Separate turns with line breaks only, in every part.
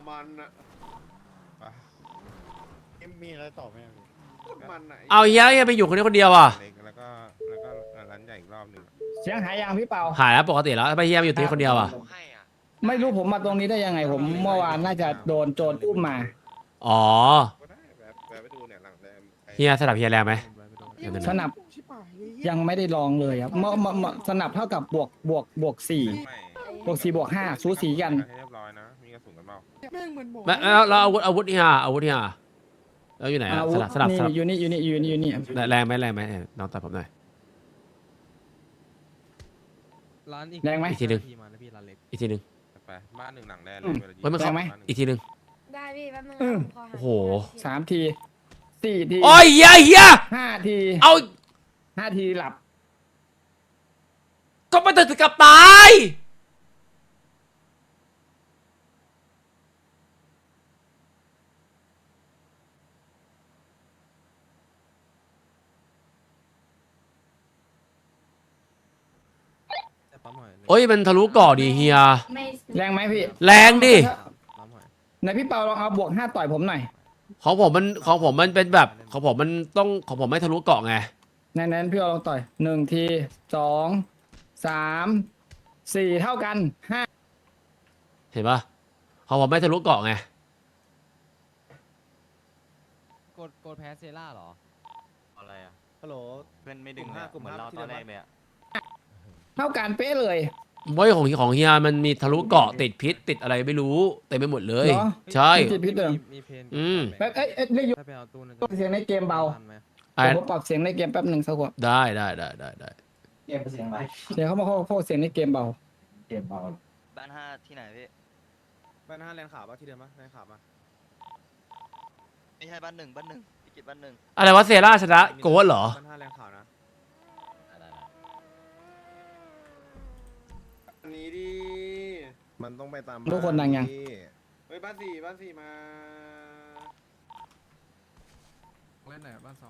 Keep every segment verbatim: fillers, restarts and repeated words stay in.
มันอะ
มีอะไรต่อไหม
มันไหน
เอาเฮียเฮียไปอยู่คนนี้คนเดียวอ่ะ
แล้วก็แล้วก็ร้านใหญ่อีกรอบหนึ่ง
เสียงหายยังพี่เปา
หายแล้วปกติแล้วไปเฮียมาอยู่ที่นี่คนเดียวอ่ะ
ไม่รู้ผมมาตรงนี้ได้ยังไงผมเมื่อวานน่าจะโดนโจรอุ้มมา
อ๋อ
ก็ได้แบบแบบไปดูเนี่ยหลังแรม
เฮียสลับเฮียแรงไหม
สนับยังไม่ได้ลองเลยครับเมื่อเมื่อเมื่อสนับเท่ากับบวกบวกบวกสี่
ไม่
บวกสี่บวกห้าสูสีกัน
ให้เรียบร้อยนะมีกระสุนกันเปล่า
แม่งเหมือนหมอ
แล้วแล้วอาวุธอาวุธเฮียอาวุธเฮียแล้วอยู่ไหนอะ
อาวุ
ส
ธ
ลับสลับ
นี่
สลับ
อยู่นี่อยู่นี่อยู่นี่อยู่นี่
แรงไหมแรงไหมน้องตัดผมหน่อย
ร้านอีก
แรงไหม
อีกทีหนึ่ง
มาแล้วพี่ร้านเล็ก
อีกทีหนึ่ง
ไปบ้านหนึ่งหลังแรม
อืม
เฮ้ยมันเข้า
แรงไหม
อีกทีหนึ่ง
ได้พี่แป๊บนึง
อืม
ขอหา
โอ้โห
สามทีสี่ที
โอ้ยเฮียเฮีย
ห้าที
เอา
ห้าทีหลับ
ก็มาถึงกับตาย
แต่ปั๊มหอย
โอ้ยมันทะลุเกาะดิเฮีย
ไม่
แรงไหมพี่
แรงดิ
ปั๊มหอย
ไหนพี่เปาลองเอาบวกห้าต่อยผมหน่อย
ของผมมันของผมมันเป็นแบบของผมมันต้องของผมไม่ทะลุเกาะไง
ในนั้นพี่เอาลองต่อยหนึ่งทีสองสามสี่เท่ากันห้า
เห็นปะของผมไม่ทะลุเกาะไง
กดกดแพ้เซล่าเหรอ
อะไรอ่ะ
ฮัลโหล
เพื่อนไม่ดึง
กลุ่มห้า
อะ
กลุ่ม
เหมือน
ห้า
เรา
ที่
ตอน
เดิม
แรกเลยอ่ะ
เท่ากันเป๊ะเลย
เว้ยของของเฮียมันมีทะลุเกาะติดพิษติดอะไรไม่รู้เต็มไปหมดเลย
เหรอ
ใช่
ติดพิษเหรอ
มีเพน
อืม
แป๊บเอ้ยเอ้ยเรียกอยู่
ถ้าไปเอาตู้นั้น
เสียงในเกมเบา
ทันไหม
ไอ้
เดี๋ยวผมปรับเสียงในเกมแป๊บหนึ่งสักครู่
ได้ได้ได้ได้ได้
เสียงเขามาเข้าเข้าเสียงในเกมเบา
บ้านห้าที่ไหนพี่
บ้านห้าแรงขาปะที่เดิมปะแรงขาปะ
ไม่ใช่บ้านหนึ่งบ้านหนึ่งพิกิจบ้านหนึ่ง
อะไรวะเซราชนะโกดเหรอ
บ้านห้าแรงขานะอันนี้ดิ
มันต้องไปตาม
ทุกคนดังยัง
เฮ้ยบ้านสี่บ้านสี่มา
เล่นไหนบ้านสอง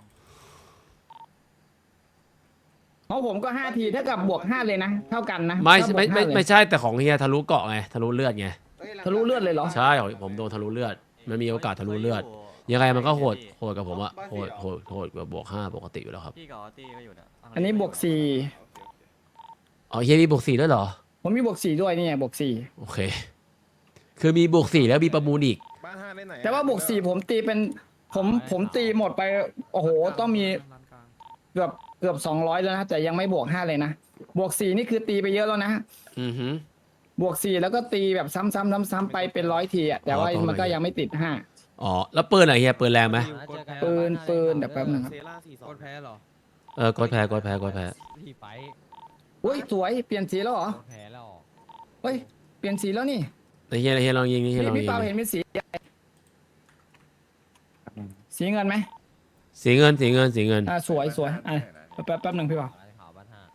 เพราะผมก็ห้าทีเท่ากับบวกห้าเลยนะ เท่ากันนะ
ไม่
ถ้าบวก
ไม่ไม่
ห้าเลย
ไม่ใช่แต่ของเฮียทะลุเกาะไงทะลุเลือดไง
ฮ้ยแรงขา
ทะลุเลือดเลยเหรอ
ใช่ของผมโดนทะลุเลือดมันมีโอกาสทะลุเลือดยังไงมันก็โหดโหดกับผมอะโหดโหดโหดกว่าบวกห้าปกติอยู่แล้วครับ
พี่กับออตตี้ก็อยู่เนี่ย
อันนี้บวกสี่
อ๋อเฮียมีบวกสี่ด้วยเหรอ
ผมมีบวกสี่ด้วยนี่ไงบวกสี่
โอเค คือมีบวกสี่แล้วมีประมูลอีก
บ้านห้าได้ไหนอะ
แต่ว่าบวกสี่ผมตีเป็นผมผมตีหมดไปโอ้โหต้องมีเกือบเกือบสองร้อยแล้วนะแต่ยังไม่บวกห้าเลยนะบวกสี่นี่คือตีไปเยอะแล้วนะ
อือหือบ
วกสี่แล้วก็ตีแบบซ้ำๆซ้ำๆไปเป็นร้อยทีอะแต่ว่ามันก็ยังไม่ติดห้า
อ๋อแล้วปืนอะเฮียปืนแรงไหม
ปืนปืนเดี๋ยวแป๊บนึงครับ
เซล่าสี่สอก ง
ดแพ้เหรอ
เออกดแพ้กดแพ้กดแพ้
ที่ไฟ
อุ้ยสวยเปลี่ยนสีแล้วเหรอก
ดแพ้แล้ว
เฮ้ยเปลี่ยนสีแล้วนี่
แต่เฮียเฮียลองยิงนี่เฮีย
พี่
ลอง
พี่
ยิง
เปาเห็นเป็นสีอะไรสีเงินไหม
สีเงินสีเงินสีเงิน
อ่าสวยสวยอ่ะแป๊บแป๊บหนึ่งพี่เปา
ร้านขาวบ้านห้า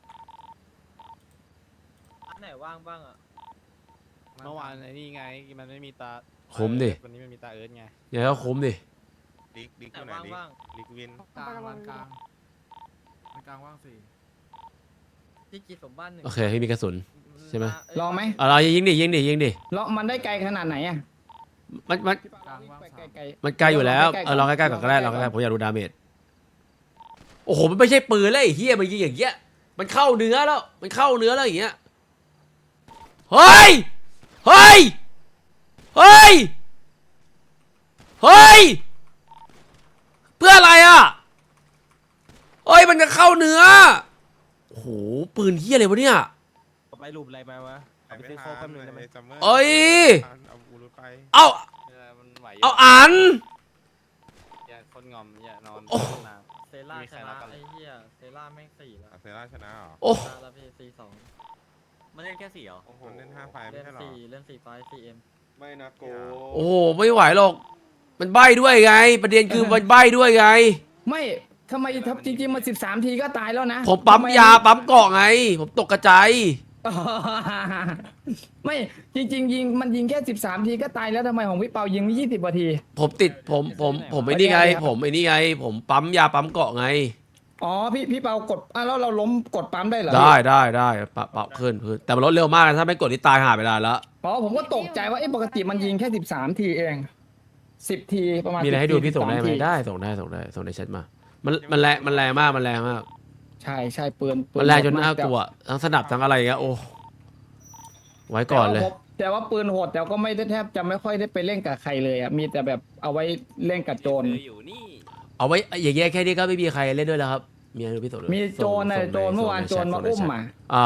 อันไหนว่างบ้างอ่ะ
เมื่อวานไอ้นี่ไงมันไม่มีตา
คุ้มดิ
วันนี้มันมีตาเอิร์ธไง
เฮียก็คุ้มดิ
ลิกลิก
ไหน
อยู่ไหน
ว่าง
ลิก
บ้าง
ลิกวิน
กลางร้านกลางร้านกลางว่างสี่
ที่กีสมบ้านหนึ่ง
โอเคพี่มีกระสุน ใช่ไหม
เย
ลองไหม
เอาเรายิงดิยิงดิยิงดิ
ลองมันได้ไกลขนาดไหนอ่ะ
มันมัน
พี่เปาวิ่งไปไกล
มันไกลอยู่แล้วเออลองใกล้ๆก่อนก็ได้ลองใกล้ๆผมอยากดูดาเมจโอ้โหมันไม่ใช่ปืนเลยไอ้เฮียมันยิงอย่างเงี้ยมันเข้าเนื้อแล้วมันเข้าเนื้อแล้วอย่างเงี้ยเฮ้ยเฮ้ยเฮ้ยเฮ้ยเพื่ออะไรอ่ะเฮ้ยมันจะเข้าเนื้อโอ้โหปืนเฮียอะไรวะเนี่ย
ไปหลุมอะไรมาวะ
เอาไปซื้อโค้กแป๊บนึงได้ไหมซัมเมอร์
เอ้ย
เอาอูรุไป
เอา
มันไหว
เอาอัน
อย่าคนงอมอย่านอน
โอ้
นาน
เซล่า
มี
ช
ใคร
นะ
รับกัน
ไอ้เหี้ยเซล่าแม่งสี่แล้ว
อ่ะเซร่าชนะเหรอ
โอ้
ชนะแล้วพี่สี่สอง
มันเล่นแค่สี่เหรอ
โอ้โหเล่นห้าไฟไม่
เล่น
ใช่เหรอ
สี่เล่นสี่ไฟสี่เอ็ม
ไม่นะโก
โอ้โหไม่ไหวหรอกมันใบ้ด้วยไง ประเด็นคือมันใบ้ด้วยไง
ๆไม่ทำไมทับจริงๆมาสิบสามทีก็ตายแล้วนะ
ผมปั๊ม
ทำไ
ยาปั๊มเกาะไง ผมตกกระจาย
ไม่จริง ๆ ยิงมันยิงแค่สิบสามทีก็ตายแล้วทำไมของพี่เปายิงยี่สิบนาที
ผมติดผมผมผมไอ้นี่ไง ผมไอ้นี่ไง ผมปั๊มยาปั๊มเกาะไง
อ๋อพี่พี่เปากดอ่ะแล้วเราล้มกดปั๊มได้เหรอ
ได้ได้ได้ปรับปรับขึ้นขึ้นแต่มันลดเร็วมากนะถ้าไม่กดนี่ตายหาไปได้แล้ว
อ๋อผมก็ตกใจว่าเอ๊ะปกติมันยิงแค่สิบสามทีเองสิบทีประมาณ
มีอะไรให้ดูพี่
สิบ
ส่งได้ไหม
ที
ได้ส่งได้ส่งได้ส่งในแชทมา มันมันแรงมันแรงมากมันแรงมาก
ใช่ใช่ปืนปื
มันแรงจน
โหด
น่ากลัวทั้งสนับทั้งอะไรอย่างเงี้ยโอ้ไว้ก่อนเลย
แต่ว่าปืนโหดแต่ก็ไม่ได้แทบจะไม่ค่อยได้ไปเล่นกับใครเลยอ่ะมีแต่แบบเอาไว้เล่นกับโจร
อยู่นี่
เอาไว้อย่างเงี้ยแค่นี้ก็ไม่มีใครเล่นด้วยแล้วครับมีอะไรดูพี่ส่งเลย
มีโจรนะ
ส่ง
โจรเมื่อวาน
ส่ง
โจร
ใแชท
มา
ส่งใน
อุ้ม
แชท
มา
อ่า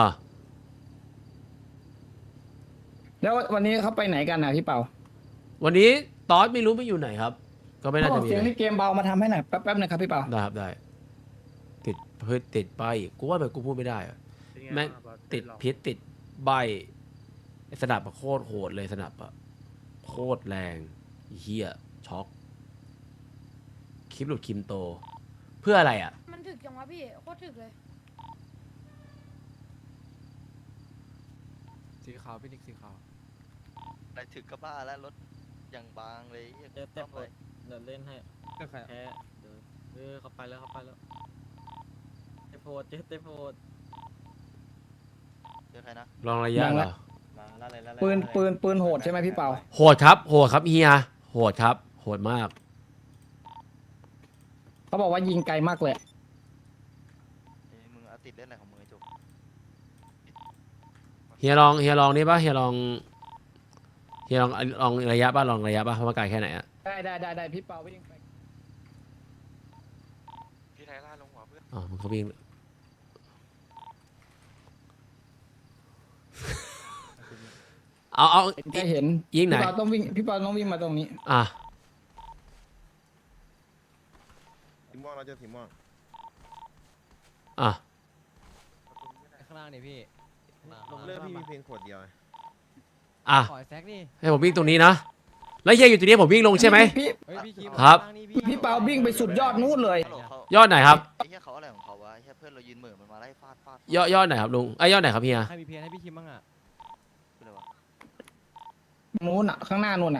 แล้ววันนี้เขาไปไหนกันนะพี่เปา
วันนี้ตอสไม่รู้ไม่อยู่ไหนครับ ก็ไม่น่า
เขาบ
จะ
อก
มี
เสียง
อะไร
ในเกมเบามาทำให้หน่อยแป๊บๆนะครับพี่เปา
ได้ครับได้ ติดเพื่อติดใบกูว่าแบบกูพูดไม่ได้อะแม่งติดพิษติดใบไอ้สนับอะโคตรโหดเลยสนับอะโคตรแรงเฮียช็อกคลิปหลุดคิมโต เพื่ออะไรอ่ะ
มันถึกจังวะพี่โคตรถึกเลย
สีขาวพี่นิกสีขาว
อะไรถึกก็บ้าแล้วรถอย่างบางเลยเหี้ย
เจ็บเจ็บ
ซ่อมเลย
เดี๋ยวเล่นให้
ก็ใคร
แพ้เดี๋ยวเออเขาไปแล้วเขาไปแล้วเจ็บโพดเจ็บเจ็บโพด
เจอใครนะ
ลองระยะเหรอ
มาแล้วเลยแล้วเลย
ปืน
แล้วเลย
ปืนปืนโหดใช่ไหมพี่เปา
โหดครับโหดครับเฮียโหดครับ โหดมาก
เขาบอกว่ายิงไกลมากเลย
เอ้ยมึงเอาติดเล่นอะไรของมึงไอ้จุก
เฮียลองเฮียลองนี่ป่ะเฮียลองเฮียลองลองระยะป่ะลองระยะป่ะเพราะว่าไกลแค่ไหนอะ
ได้ได้ได้ได้พี่เปาวิ่งไป
พี่ไทล่าลงหัวเพื่อน
อ๋อมันเขาวิ่งเอาเอา
จะเห็น
ยิงไหน
พี่เปาต้องวิ่งพี่เปาต้องวิ่งมาตรงนี้
อ่ะ
สีม่วงเราเจอสีม่วง
อ่ะ
ข้างล่างนี่พี่
เรื่องพี่มีเพลงขวดเดียวไง
อ่ะ
ขอแซกนี่
ให้ผมวิ่งตรงนี้นะแล้วเฮียอยู่ตรงนี้ผมวิ่งลงใช่ไหม
พี่
เฮ้ยพี่คิม
ครับ
พี่เปาวิ่งไปสุดยอดนู้นเลย
ฮัลโหลเขา
ยอดไหนครับ
ไอ้เหี้ยเขาอะไรของเขาวะไอ้เหี้ยเพื่อนเรายืนเหม่อมันมาไล่ฟาดฟาด
ยอดยอดไหนครับลุงไอ้ยยอดไหนครับเฮีย
ให้พี่เพียนให้พี่คิมบ้างอ่ะ
คืออะไรวะ
นู้นอ่ะข้างหน้านู้นอ่ะ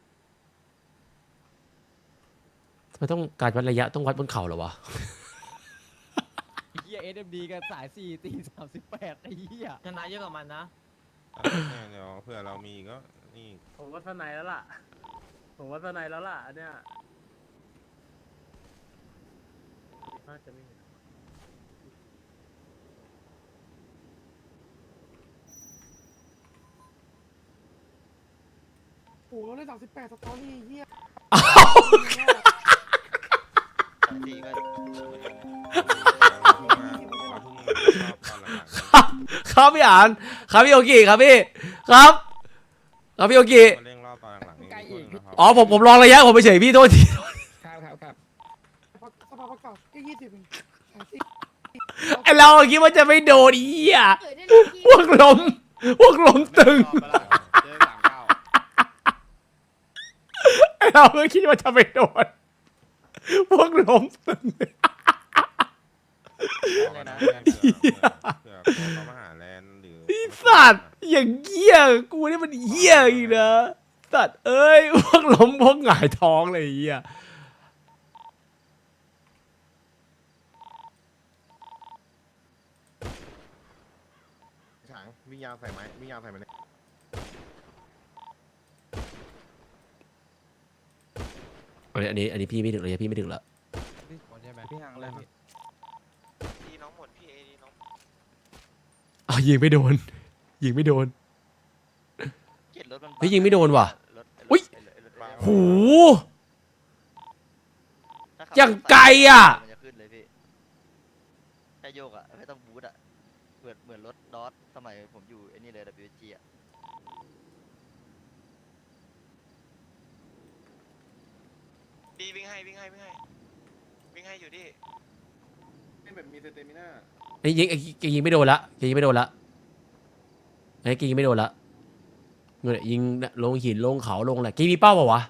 มันต้องการวัดระยะต้องวัดบนเขาเหรอวะ
เฮียเอสเอ็มดีกันสายสี่ตีสามสิบแปดไอ้เฮีย
ชนะเยอะกว่ามันนะ
อ่ะเนี่ยเดี๋ยวเผื่อเรามีก็นี่
ผมว่าสไนแล้วล่ะ ผมว่าสไนแล้วล่ะอันเนี้ยน่าจะไม่เห็นโอ้โหได้สามสิบแปดสตอรี่เฮีย
สายสี่ก็
เราเพิ่งมาเราเพิ่งมารอบตอนหลังๆ
ครับพี่อ่านครับพี่โอกิครับพี่ครับครับพี่โอกิ
มาเร่งรอบตอนหลังๆนี่
ไกลอีก
นะครับ
อ๋อผมผมลองระยะผมไปเฉยพี่โทษที
ครับครับครับ
สภาพประกาศแค่ยี่สิบเองสามสิบ
ไอเราคิดว่าจะไม่โดนเอี้ย
เกิดได้เลยพี่
พวกล้มพวกล้มตึง
เจอสามเก้า
ไอเราก็คิดว่าจะไม่โดนพวกล้มตึง
เลยนะ
เผื่อเขามาหาแลนด์หรือ
ไอ้สัตว์อย่างเงี้ยกูนี่มันเหี้ยอีกนะสัตว์เอ้ยพวกล้มพวกหงายท้องเลยไอ้เหี้ย
ฉางวิ่งยาวใส่ไหมวิ่งยาวใส่ไหมเนี่ย
อันนี้อันนี้พี่ไม่ถึงเลยพี่ไม่ถึงละ
พี่หมดใช่ไหม
พี่ห่างเลยพี่
ดีน้องหมดพี่เอดีน้อง
อ้าวยิงไม่โดนยิงไม่โดน
เกลียดรถมัน
เฮ้ยยิงไม่โดนว่ะ
รถ
อุ๊ย
รถรถรถ
หู
ถ้ขับ
อย่างไกลอะ
มันจะขึ้นเลยพี่แค่โยกอ่ะไม่ต้องบูทอ่ะเหมือนเหมือนรถดอทสมัยผมอยู่ไอ้นี่เลย ดับเบิลยู จี อ่ะ
ดีวิ่งให้วิ่งให้วิ่งให้วิ่งให้อยู่ดิเป็นแบบมีสเตมิน่า
ไอ้ยิงไอ้ยิงไม่โดนละยิงไม่โดนละไอ้ยิงไม่โดนละเงี้ยยิงลงหินลงเขาลงอะไรกีมีเป้าเปล่าวะ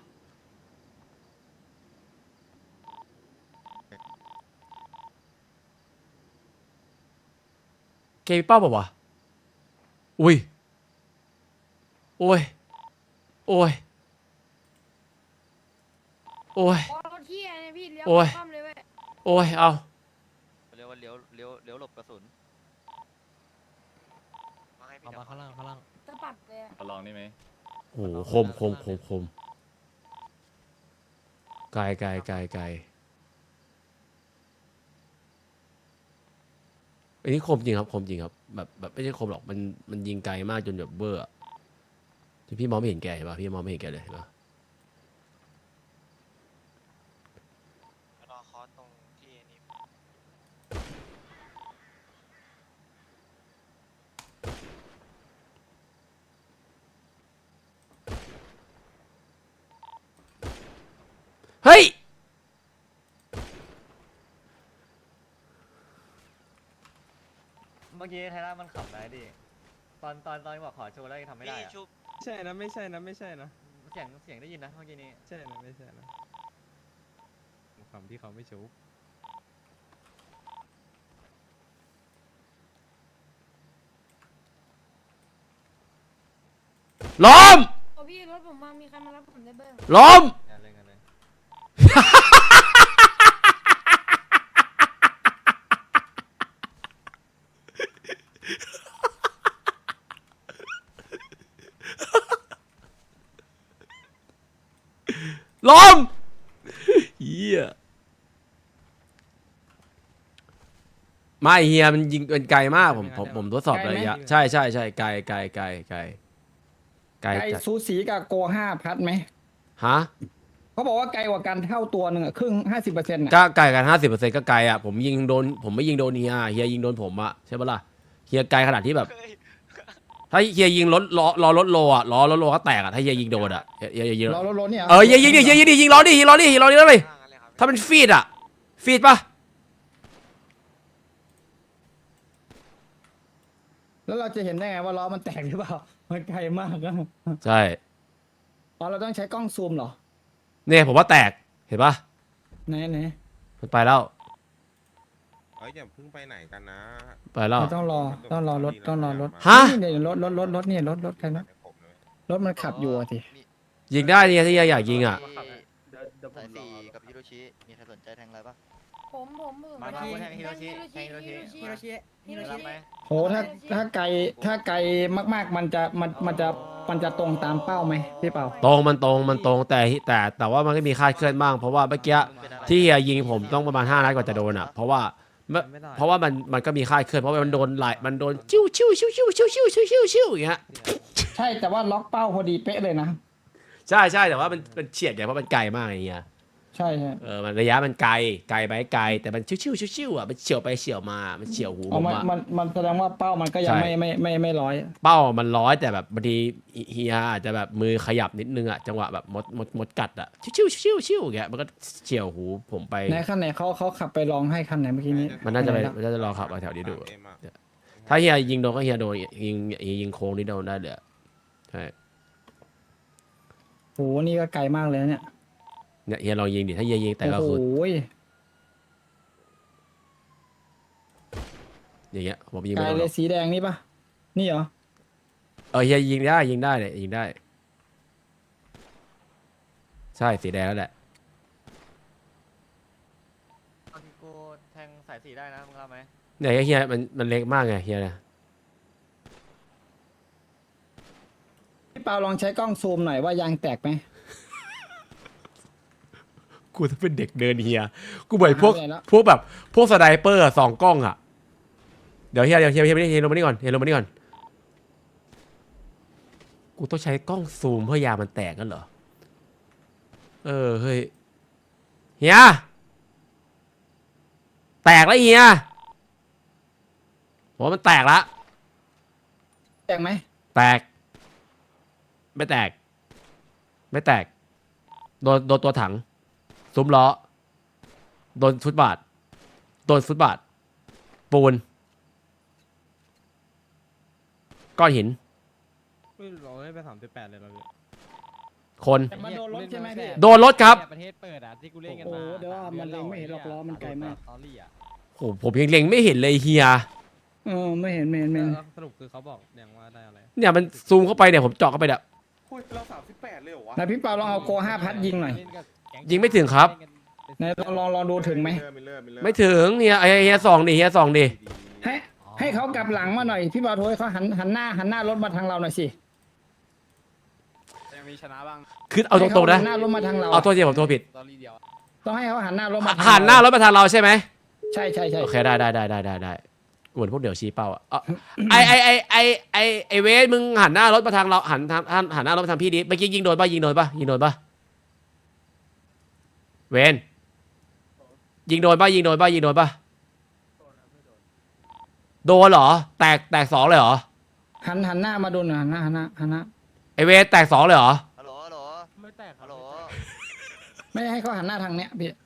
เกมีเป้าเปล่าวะอุ้ยโอ้ยโอ้ยโอ้ย
โอ้รถเที่ยเนี่ยพี่เลี้ยว
โอ้ย
คว่ำเลยเว้ย
โอ้ยเอา
เรียกว่าเลี้ยวเลี้ยวเลี้ยวหลบกระสุน
มาให้พี่
เอามาข้างล่างข้างล่าง
สะบัดเลยอะ
ลองได้ไหม
โอ้โหคมคมคมคมไกลไกลไกลไกลอันนี้คมจริงครับคมจริงครับแบบแบบไม่ใช่คมหรอกมันมันยิงไกลมากจนแบบเบอร์อะจนพี่มองไม่เห็นแกเห็นป่ะพี่มองไม่เห็นแกเลยเห็นป่ะ
รอคอสตรงที่นี่
เฮ้ย
เมื่อกี้ไทร่ามันขับได้ดิตอนตอนตอนบอกขอโชว์แล้วยังทำไม่ได้
พี่
อะ
ชุบ
ใช่นะไม่ใช่นะไม่ใช่นะ
เสียงเสียงได้ยินนะเมื่อกี้นี้
ใช่นะไม่ใช่นะคำที่เขาไม่ชุบ
ล้ม
โอ้พี่รถผมมามีใครมารับผมได้บ้าง
ล้ม
งานเลยงานเลย
ล้มเฮียไม่เฮียมันยิงเป็นไกลมากผมผมผมทดสอบระยะใช่ใช่ใช่ไกลไกลไกลไกลไกล
ไกล
จัด
สูสีกับโกห้าพัดไหม
ฮะ
เขาบอกว่าไกลกว่ากันเท่าตัวหนึ่งอะครึ่งห้าสิบเปอร์เซ็นต์ะ
ก็ไกลกันห้าสิบเปอร์เซ็นต์ก็ไกลอ่ะผมยิงโดนผมไม่ยิงโดนเฮียเฮียยิงโดนผมอ่ะใช่ปะล่ะเฮียไกลขนาดที่แบบ
เฮ้ย
ถ้าเฮียยิงรถล้อล้อรถโลอ่ะล้อรถโลก็แตกอ่ะถ้าเฮียยิงโดนอ่ะเฮียเฮียยิง
รอรถรถเนี่ย
เออเฮียยิงดิเฮียยิงดิยิงล้อดิยิงล้อดิยิงล้อดิแล้วเลยถ้าเป็นฟีดอ่ะฟีดปะ
แล้วเราจะเห็นได้ไงว่าล้อมันแตกหรือเปล่ามันไกลมากอะ
ใช่
อ๋อเราต้องใช้กล้องซูมเหรอ
เนี่ยผมว่าแตกเห็นปะ
ไหนไหน
มันไปแล้ว
เอ้ยอย่าเพิ่งไปไหนกันนะ
ไปแล้ว
เราต้องรอต้องรอรถต้องรอรถ
ฮะ
นี่เนี่ยรถรถรถรถเนี่ยรถรถใครนะรถมันขับอยู่อะที
ยิงได้เนี่ยถ้าเฮียอยากยิงอ่ะ
สายสี่กับฮิโรชิมีใครสนใจแทงอะไรปะ
ผมผมผม
มามาแทงฮิโรชิ
ฮิ
แทงฮิโรชิ
ฮิโรชิฮิโร
รับ
ชิ
ไหม
โหถ้าถ้าไกลถ้าไกลมากๆมันจะมันมันจะมันจะตรงตามเป้าไหมพี่เปา
ตรงมันตรงมันตรงแต่แต่แต่ว่ามันก็มีคลาดเคลื่อนบ้างเพราะว่าเมื่อกี้ที่เฮียยิงผมต้องประมาณห้านัดกว่าจะโดนอ่ะเพราะว่าไม่เพราะว่ามันมันก็มีคลาดเคลื่อนเพราะว่ามันโดนไหลมันโดนชิวชิวชิวชิวชิวชิวชิวชิวชิวอย่างเงี้ย
ใช่แต่ว่าล็อกเป้าพอดีเป๊ะเลยนะ
ใช่ใช่แต่ว่ามันมันเฉียดไงเพราะมันไกลมากไอ้เงี้ย
ใช่ใช่
เออมันระยะมันไกลไกลไปไกลแต่มันชิวชิวชิวชิวอ่ะมันเฉียวไปเฉียวมามันเฉียวหูผ
อ๋อ
ม
มัน
อ่ะ
มันมันแสดงว่าเป้ามันก็ยัง
ใช่
ไม่ไม่ไม่ไม่ร้อย
เป้ามันร้อยแต่แบบบางทีเฮียอาจจะแบบมือขยับนิดนึงอ่ะจังหวะแบบมดมดมดกัดอ่ะชิวชิวชิวชิวอย่างเงี้ยมันก็เฉียวหูผมไป
ในขั้นไหนเขาเขาขับไปลองให้ขั้นไหนเมื่อกี้นี้
มันน่าจะไป
ไห
มันน่าจะรอขับมาแถวนี้ดู
เอ็มอะ
ถ้าเฮียยิงโดนก็เฮียโดนยิงยิงยิงโค้งนี่โดนได้เลยอะใช่
โหนี่ก็ไกลมากเลยนะเนี่ย
เนี่ยเฮียลองยิงดิถ้าเฮียยิงแต่ก็
โอ้โห
คืออย่างเงี้ยผมยิง
ไกล
ไม่โดนห
เล
ร
ย
อก
สีแดงนี่ปะนี่เหรอ
เออเฮียยิงได้ยิงได้เลยยิงได้ ใช่สีแดงแล้วแหละ
ตอนที่กูแทงสายสี่ได้นะมึงรับไหม
เนี่ยเฮียมันมันเล็กมากไงเฮียเนี่ย
พี่เปาลองใช้กล้องซูมหน่อยว่ายางแตกไหม
กูถ้าเป็นเด็กเดินเฮียกูเหมือนพวก
หาไปไหนแล้ว
พวกแบบพวกสไนเปอร์อะสองกล้องอ่ะเดี๋ยวเฮียเดี๋ยวเฮียเฮียเฮียลงมานี่ก่อนเฮียลงมานี่ก่อนกูต้องใช้กล้องซูมเพื่อยามันแตกกันเหรอเออเฮ้ยเฮียแตกแล้วเฮียผมว่ามันแตกละ
แตกไหม
แตก ไม่แตก ไม่แตกโดนโดนตัวถังซุ้มล้อโดนฟุตบาทโดนฟุตบาทปูนก้อนหิน
ไม่เราได้ไปสามสิบแปดเลยเราพี่
คน
แต่มาโดนรถใช่ไหมพี่
โดนรถครับ
ประเทศเปิดอ่ะที่กูเล่นกัน
โอ้
มา
โหเดี๋ยวว่ามันเล็งไม่เห็นหรอกล้อมันไกลมาก
สตอรี่อ่ะ
โอ้โหผมยังเล็งไม่เห็นเลยเฮีย
เออไม่เห็นไม่เห็นไม่เห็น
แล้วสรุปคือเขาบอกอย่างว่าได้อะไร
เนี่ยมันซูมเข้าไปเนี่ยผมเจาะเข้าไปเนี่ย
คุยเราสามสิบแปดเลยเหรอวะ
ไหนพี่เปาลองเอาโกห้าพัดยิงหน่อย
เล่นกับแก๊ง
ยิงไม่ถึงครับ
ไหนลองลองลองดูถึงไหม
ไม่เลิกไม่เลิก
ไม่ถึงเฮียไอเฮียสองดิเฮียสองดิ
ให้ให้เขากลับหลังมาหน่อยพี่เปาโทรให้เขาหันหันหน้าหันหน้ารถมาทางเราหน่อยสิ
ยังมีชนะบ้าง
คือเอาตรงๆนะ
ให้เขาหันหน้ารถมาทางเรา
เอาโทษทีผมโทษผิด
ตอรี่เดียว
ต้องให้เขาหันหน้ารถมาทาง
หันหน้ารถมาทางเราใช่ไหม
ใช่ใช่ใช่
โอเคได้ได้ได้ได้ได้ได้กูเหมือนพวกเดี๋ยวชี้เป้าอ่ะเอาไอไอไอไอไอไอเวสมึงหันหน้ารถมาทางเราหันทางหันหันหน้ารถมาทางพี่ดิเมื่อกี้ยิงโดนป่ะยิงโดนป่ะยิงโดนป่ะเวนยิงโดนป่ะยิงโดนป่ะยิงโดนป่ะโดนเหรอแตกแตกสองเลยเหรอ
หันหันหน้ามาดูหน่อยหันหน้าหันหน้าหันหน้า
ไอเวสแตกสองเลยเหรอ
ฮัลโหลฮัลโหล
ไม่แตก
ฮัลโหล
ไม่ให้เขาหันหน้าทางเนี้ยพี่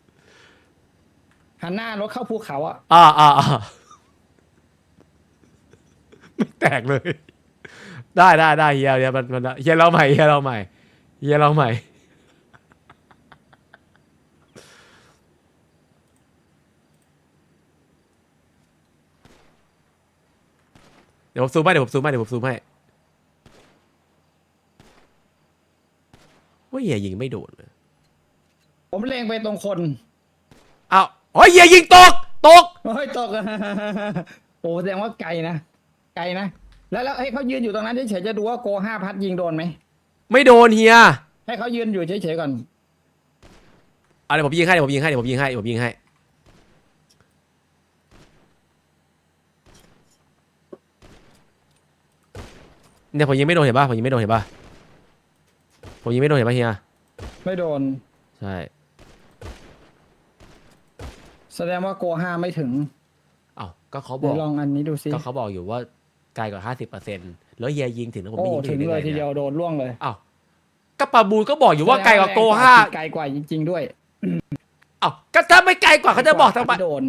หันหน้ารถเข้าภูเขาอ่ะ
อ่าอ่าอ่าไม่แตกเลย ได้ได้ได้เฮียเฮียมันมันเฮียเราใหม่เฮียเราใหม่เฮียเราใหม่เดี๋ยวผมซูมให้เดี๋ยวผมซูมให้เดี๋ยวผมซูมให้ว่าเฮียยิงไม่โดนเลย
ผมเล็งไปตรงคน
อ้าวโอ้ยเฮียยิงตกตก
โอ้ยตก โอ้แสดงว่าไกลนะไกลนะแล้วแล้วให้เขายืนอยู่ตรงนั้นเฉยๆจะดูว่าโกห้าพัดยิงโดนไหม
ไม่โดนเฮีย
ให้เขายืนอยู่เฉยๆก่อน
อ่ะเดี๋ยวผมยิงให้เดี๋ยวผมยิงให้เดี๋ยวผมยิงให้เดี๋ยวผมยิงให้เนี่ยผมยิงไม่โดนเห็นป่ะผมยิงไม่โดนเห็นป่ะผมยิงไม่โดนเห็นป่ะเฮีย
ไม่โดน
ใช่
แสดงว่าโกห้าไม่ถึง
อ้าวก็เขาบ
เดี๋
อย ก
วลองอันนี้ดูซิ
ก็เขาบอกอยู่ว่าไกลกว่าห้าสิบเปอร์เซ็นต์แล้วเฮียยิงถึงแล้วผม
โอ้
ไม่ยิง
ถึง
ได้
เลย
ไง
ทีเดียวโดนล่วงเลย
อ้าวก็ปาบูลก็บอกอยู่ว่าไกลกว่าโกห้า
ไกลกว่าจริงๆด้วย
อ้าวก็ถ้าไม่ไกลกว่าเขาจะบอกทำไม
โดน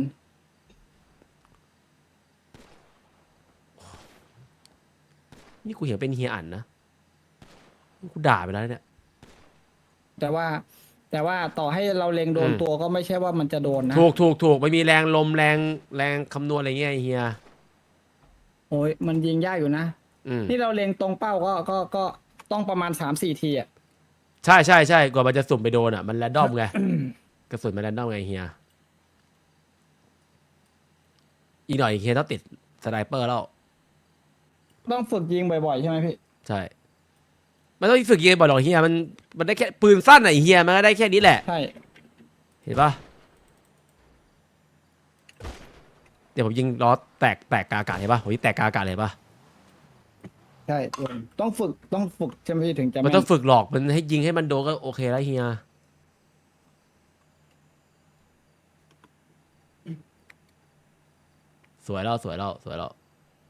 นี่กูเห็นเป็นเฮียอันนะกูด่าไปแล้วเนี่ย
แต่ว่า แต่ว่าต่อให้เราเล็งโดน
อืม
ตัวก็ไม่ใช่ว่ามันจะโดนนะ
ถูกถูกถูกไม่มีแรงลมแรงแรงคำนวณอะไรเงี้ยไอ้เฮีย
โอ้ยมันยิงยากอยู่นะ
อืม
นี่เราเล็งตรงเป้าก็ก็ก็ต้องประมาณสามสี่ทีอ่ะ
ใช่ใช่ใช่กว่ามันจะสุ่มไปโดนอ่ะมันแรนดอมไง กระสุนมันแรนดอมไงเฮียอีกหน่อยเฮียต้องติดสไนเปอร์แล้ว
ต้องฝึกยิงบ่อยๆใช่ไหมพี่
ใช่มันต้องฝึกยิงบ่อยหรอกเฮียมันมันได้แค่ปืนสั้นไหนะไอ้เฮียมันก็ได้แค่นี้แหละ
ใช่
เห็นปะเดี๋ยวผมยิงล้อแตกแตกกาอากาศเห็นปะผมยิงแตกกาอากาศเลยปะ
ใช่ต้องฝึกต้องฝึกใช่ไหมพี่ถึงจะ
มันต้อง
แม่
ฝึกหลอกมันให้ยิงให้มันโดนก็โอเคแล้วเฮียสวยแล้วสวยแล้วสวยแล้ว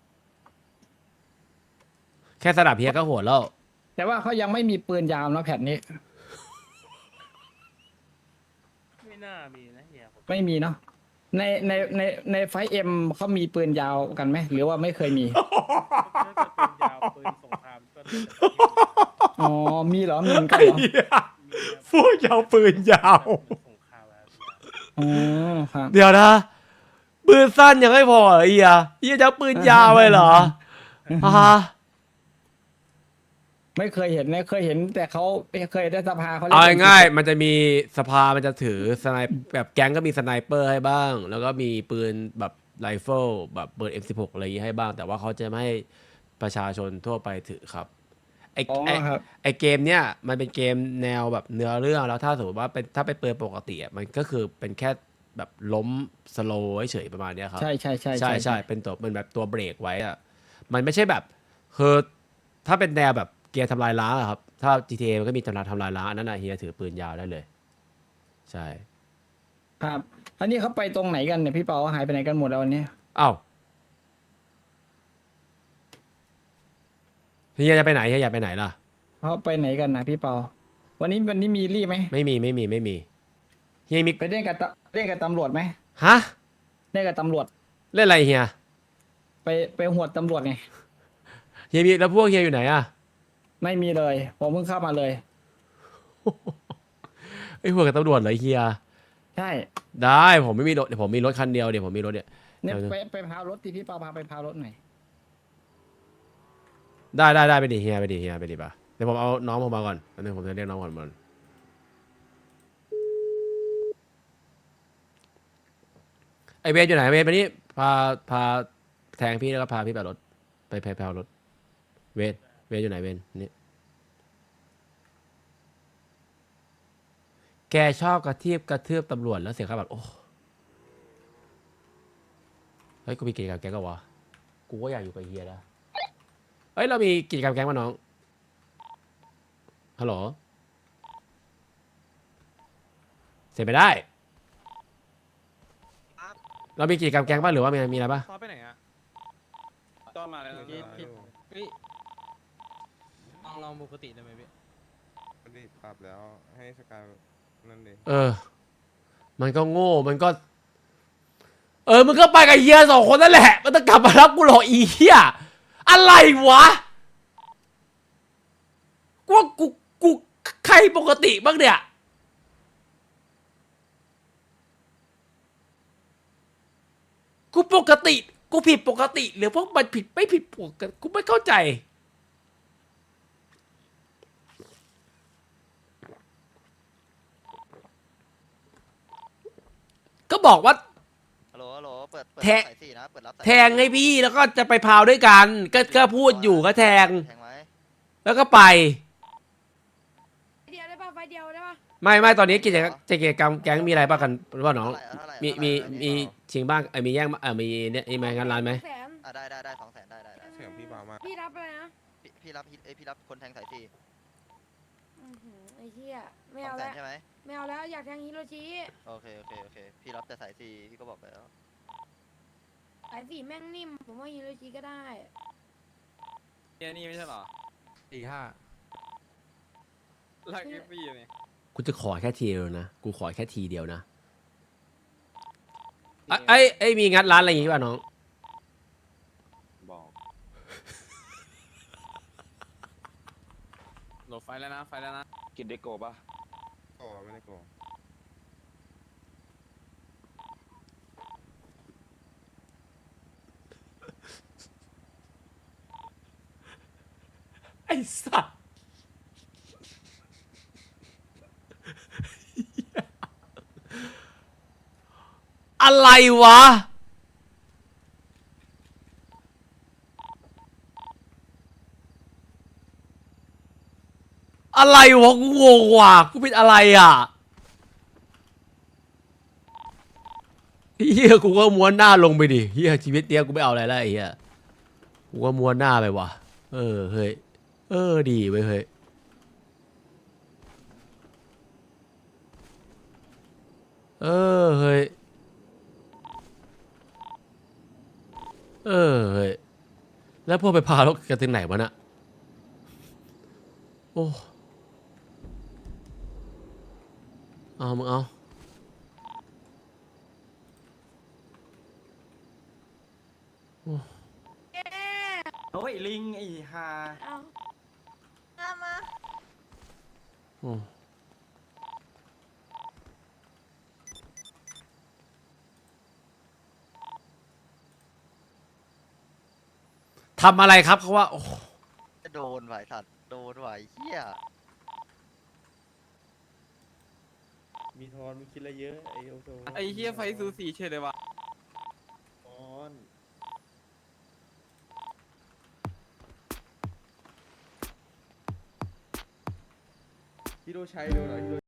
แค่สนับเฮียก็โหดแล้ว
แต่ว่าเขายังไม่มีปืนยาวนะแผ่นนี้
ไม่น่ามีนะเฮียผม
ไม่มีเนาะในในในในไฟเอ็มเขามีปืนยาวกันไหมหรือว่าไม่เคยมี
น่าจะเป็นยาวปืนสงครามก็น่าจะ
อ๋อมีเหรอมีเหมือนกันเหรอ
พวกยาวปืนยาว
สงครามแล้ว
อ๋อครับ
เดี๋ยวนะ ปืนสั้นยังไม่พอเหรอเฮียเฮียจะเอาปืนยาวไปเหรอฮะ
ไม่เคยเห็นนะเคยเห็นแต่เขาเคยได้สภาเขาล่น
เอาง่ายๆมันจะมีสภามันจะถือสไนแบบแก๊งก็มีสไนเปอร์ให้บ้าง แล้วก็มีปืนแบบไรเฟิลแบบปืน เอ็ม สิบหก อะไรอย่างงี้ให้บ้าง แต่ว่าเขาจะไม่ให้ประชาชนทั่วไปถือครับไอ
อ๋อ
ไอ
ครับ
ไอเกมเนี้ยมันเป็นเกมแนวแบบเนื้อเรื่องแล้วถ้าสมมติว่าเป็นถ้าเป็นปืนปกติอะมันก็คือเป็นแค่แบบล้มสโลว์เฉยๆประมาณเนี้ยครับ
ใช่ใช่ใช่
ใช่ใช่เป็นตัวเป็นแบบตัวเบรกไว้อะมันไม่ใช่แบบคือถ้าเป็นแนวแบบเกียร์ทำลายล้างอะครับ ถ้า จี ที เอ มันก็มีทำลายทำลายล้างอันนั้นนะเฮียถือปืนยาวได้เลย ใช่
ครับ อันนี้เขาไปตรงไหนกันเนี่ยพี่เปาหายไปไหนกันหมดแล้ววันนี้
อ้าวเฮียจะไปไหนเฮียอยากไปไหนล่ะ
เขาไปไหนกันนะพี่เปาวันนี้วันนี้มีรีบไหม
ไม่มีไม่มีไม่มีเฮียมี
ไปเล่นกับตเล่นกับตำรวจไหม
ฮะ
เล่นกับตำรวจ
เล่นอะไรเฮีย
ไปไปหวดตำรวจไง
เฮียมีแล้วพวกเฮียอยู่ไหนอะ
ไม่มีเลย ผมเพิ่งเข้ามาเลย
ไอ้หัวกับตำรวจเหรอเฮีย
ใช่
ได้ผมไม่มีรถเดี๋ยวผมมีรถคันเดียวเดี๋ยวผมมีรถเนี่ย
เนี่ย
เดี๋ยว
ไปไปพารถที่พี่เปาพาไปพารถหน่อย
ได้ได้ได้ไปดิเฮียไปดิเฮียไปดิป่ะเดี๋ยวผมเอาน้องผมมาก่อนอันนึงผมจะเรียกน้องก่อนมันไอเวทอยู่ไหนเวทไปนี่พาพาแทงพี่แล้วก็พาพี่ไปรถไปไปไปเอารถเวนเวนอยู่ไหนเวนนี่แกชอบกระทืบกระทืบตำรวจแล้วเสียค่าปรับโอ้เฮ้ยกูมีกิจกรรมแก๊งก็วะกูก็อยากอยู่กับเฮียนะเฮ้ยเรามีกิจกรรมแก๊งมาน้องฮัลโหลเสร็จไปได้
ครับ
เรามีกิจกรรมแก๊งป่ะหรือว่ามีมีอะไรป่ะ
ซอไปไหนอะจอมาแล้วพี่พี่เฮ้ยลองลองปกติได้ไหมพี่
ไม่ได้ปรับแล้วให้สกายนั่นเลย
เออ มันก็โง่มันก็ เออมึงก็ไปกับเฮียสองคนนั่นแหละมันต้องกลับมารับกูหรอกอีเฮียอะไรวะกูว่ากูกูใครปกติบ้างเนี่ยกูปกติกูผิดปกติหรือพวกมันผิดไม่ผิดปกติกูไม่เข้าใจก็บอกว่า
ฮัลโหลฮัลโหลเปิดเปิด
แทะ
สายสี่นะเปิดรับสาย
แทงให้พี่แล้วก็จะไปพาวด้วยกัน ก็ก็พูดอยู่ก็แทง
แทงไหม
แล้วก็ไป
เดียวได้ป่ะไฟเดียวได้ป่ะ
ไม่ไม่ตอนนี้กิจกรรมกิจกรรมแก๊งมีอะไรบ้างกันหรือเปล่าน้อง
เท่าไหร่เท่าไหร่
มี
เท่าไหร่
มี
เท่าไหร่
มีชิงบ้างเออมีแย่งเออมีเนี่ยมีงานร้านไหม
แสน
อ่ะได้ได้ได้สองแสนได้ได้ได้
เสียงพี่เบามาก
พี่รับอะไรนะ
พี่พี่รับเอ้ยพี่รับคนแทงสายสี่
อื้อหือไอ้เหี้ยไม่
สอ
เอา
งแส
แล้
น
ว
ใช่ไหม
ไม่เอาแล้วอยากแทงฮิโรชิ
โอเคโอเคโอเคพี่รับแต่สายสี่พี่ก็บอกไปแล้ว
สายสีแม่งนิ่มผมว่าฮิโรชิก็ได้
เนี่ยนี่ไม่ใช่เหรอ
สี่ห้า
ลักเอฟบีเนี่ย
กูจะขอแค่ทีเดียวนะกูขอแค่ทีเดียวนะไอ้ไอ้ไอ้ยมีงัดร้านอะไรอย่างงี้ป่ะน้อง
บอก
โหลดไฟแล้วนะไฟแล้วนะ
กินได้โกป่ะโกไม่ได้โก
ไอ้สัสอะไรวะอะไรวะกูงงว่ะกูเป็นอะไรอ่ะเฮียกูก็ม้วนหน้าลงไปดิเฮียชีวิตเนี้ยกูไม่เอาอะไรแล้วไอ้เฮียกูก็ม้วนหน้าไปว่ะเออเฮ้ยเออดีเว้ยเฮ้ยเออเฮ้ยเออเฮ้ยแล้วพวกไปพาเรากันถึงไหนวะน่ะโอ้เอามึงเอาโอ้
เอ๊ะ
โอ้ยลิงไอ้ห่า
เอาเอามา
โอ้ทำอะไรครับเขาว่าโอ้
โดนไหวสัตว์โดนไหวเฮีย
มีทอนมีคิดอะไรเยอะไอโอโซ
ไอ้เฮียไฟซูสีเฉยเลยวะ
ทอนฮิโรชัยดูหน่อยฮิโร